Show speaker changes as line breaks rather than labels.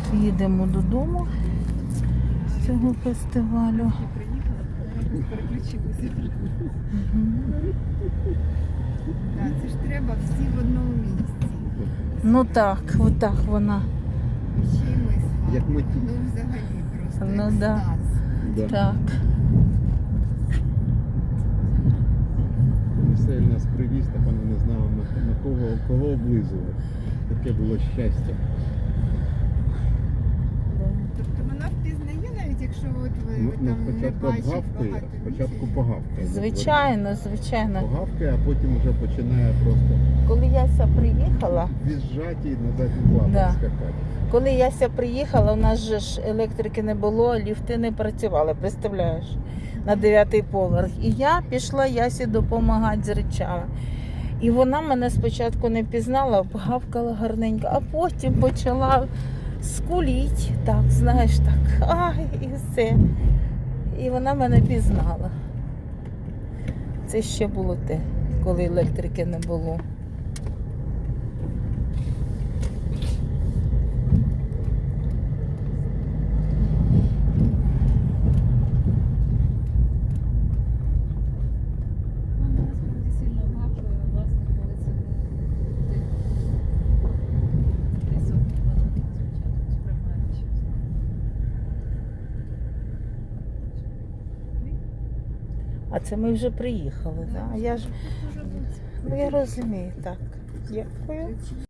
Їдемо додому з цього фестивалю.
Так, це ж треба всі в одному місці.
Ну так, отак вона.
Ще й ми з
Як ми
вами.
тут.
Ну взагалі просто
Ну, да.
екстаз.
Так.
Все нас привіз, та пане не знав на кого облизувати. Таке було щастя.
Тобто вона впізнає, навіть якщо от ви там не
Спочатку
бачите
обгавкає,
багато
спочатку
місяців.
погавкає.
Звичайно, звичайно.
Погавкає, а потім вже починає просто
Коли Яся приїхала,
візжати і на задніх лапах
Да.
скакати.
коли Яся приїхала, у нас же ж електрики не було, ліфти не працювали, представляєш, на 9-й поверх. І я пішла Ясі допомагати з речами. І вона мене спочатку не пізнала, обгавкала гарненько, а потім почала скуліть, так, знаєш, так, ай, і все. І вона мене пізнала. Це ще було те, коли електрики не було.
Вона насправді сильно гавкає, власне, коли це не десь спочатку сприймають щось.
А це ми вже приїхали, так? Я ж, ну я розумію, так. Дякую.